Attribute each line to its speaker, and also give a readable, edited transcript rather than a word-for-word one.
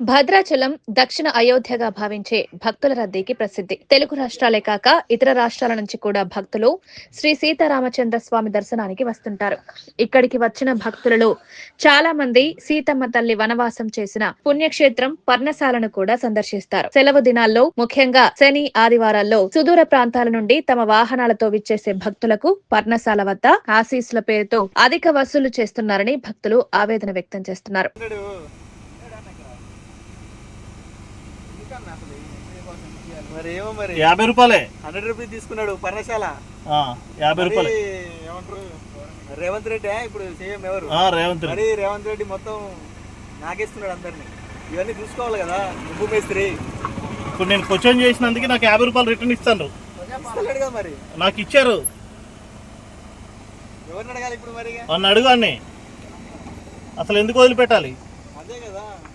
Speaker 1: భద్రాచలం దక్షిణ అయోధ్యగా భావించే భక్తుల రద్దీకి ప్రసిద్ధి. తెలుగు రాష్ట్రాలే కాక ఇతర రాష్ట్రాల నుంచి కూడా భక్తులు శ్రీ సీతారామచంద్ర స్వామి దర్శనానికి వస్తుంటారు. ఇక్కడికి వచ్చిన భక్తులలో చాలా మంది సీతమ్మ తల్లి వనవాసం చేసిన పుణ్యక్షేత్రం పర్ణశాలను కూడా సందర్శిస్తారు. సెలవు దినాల్లో ముఖ్యంగా శని, ఆదివారాల్లో సుదూర ప్రాంతాల నుండి తమ వాహనాలతో విచ్చేసే భక్తులకు పర్ణశాల వద్ద ఆశీస్సుల పేరుతో అధిక వసూలు చేస్తున్నారని భక్తులు ఆవేదన వ్యక్తం చేస్తున్నారు.
Speaker 2: మరి ఏమో మరి
Speaker 3: 50 రూపాయలే
Speaker 2: 100 రూపీస్ తీసుకున్నాడు పర్ణశాల.
Speaker 3: 50 రూపాయలు
Speaker 2: ఏమంటారు రేవంత్ రెడ్డి ఇప్పుడు సీఎం ఎవరు
Speaker 3: రేవంత్ రెడ్డి.
Speaker 2: రేవంత్ రెడ్డి మొత్తం నాకేస్తున్నాడు అందరినీ. ఇవన్నీ చూసుకోవాలి కదా ఉప్పు మేస్త్రి.
Speaker 3: ఇప్పుడు నేను క్వశ్చన్ చేసినందుకు నాకు 50 రూపాయలు రిటర్న్ ఇస్తాను.
Speaker 2: ఇస్తలేడు కదా మరి.
Speaker 3: నాకు ఇచ్చారు.
Speaker 2: ఎవరిని అడగాలి ఇప్పుడు మరి?
Speaker 3: నన్ను అడుగు అన్నీ. అసలు ఎందుకు వదిలిపెట్టాలి?
Speaker 2: అదే కదా.